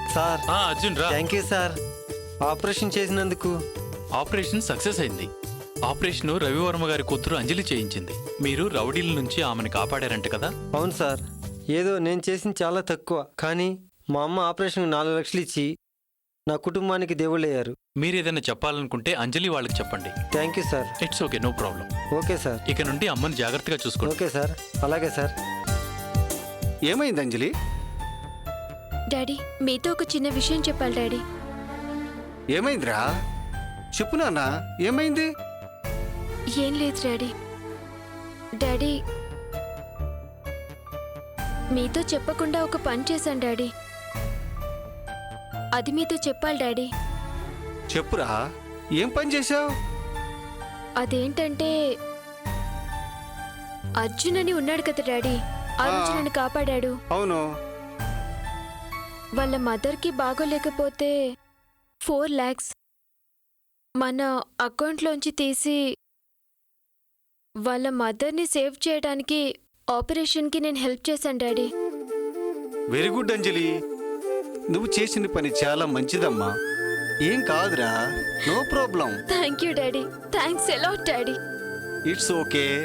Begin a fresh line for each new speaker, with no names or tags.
Sir
Arjun రా.
Thank you sir, operation చేసినందుకు.
Operation success అయింది. ఆపరేషన్ రవివర్మ గారి కూతురు అంజలి చేయించింది. మీరు రౌడీల నుంచి ఆమెను కాపాడారంట కదా?
అవును సార్, ఏదో నేను చేసింది చాలా తక్కువ, కానీ మా అమ్మ ఆపరేషన్కి 4 లక్షలు ఇచ్చి నా కుటుంబానికి దేవుళ్ళయ్యారు.
మీరు ఏదైనా చెప్పాలనుకుంటే అంజలి వాళ్ళకి చెప్పండి.
Thank you sir.
It's okay, no problem.
Okay sir.
ఇక నుండి అమ్మని జాగ్రత్తగా చూసుకోండి.
ఓకే సార్, అలాగే సార్.
ఏమైంది అంజలి?
డాడీ, మీతో ఒక చిన్న విషయం చెప్పాలి డాడీ.
ఏమైందిరా? చెప్పు నాన్న, ఏమైంది?
ఏం లేదు డాడీ. డాడీ, మీతో చెప్పకుండా ఒక పని చేశాను డాడీ. అది మీతో చెప్పాలి డాడీ.
చెప్పురా, ఏం పని చేశావు?
అదేంటంటే అర్జున్ అని ఉన్నాడు కదా డాడీ, ఆ రోజు నన్ను కాపాడాడు.
అవును.
వాళ్ళ మదర్కి బాగోలేకపోతే 4 lakhs మన అకౌంట్లోంచి తీసి వాళ్ళ మదర్ని సేవ్ చేయడానికి ఆపరేషన్కి నేను హెల్ప్ చేశాను డాడీ.
వెరీ గుడ్ అంజలి, నువ్వు చేసిన పని చాలా మంచిదమ్మా. ఏం కాదురా, no problem.
Thank you daddy, thanks a lot daddy.
It's okay.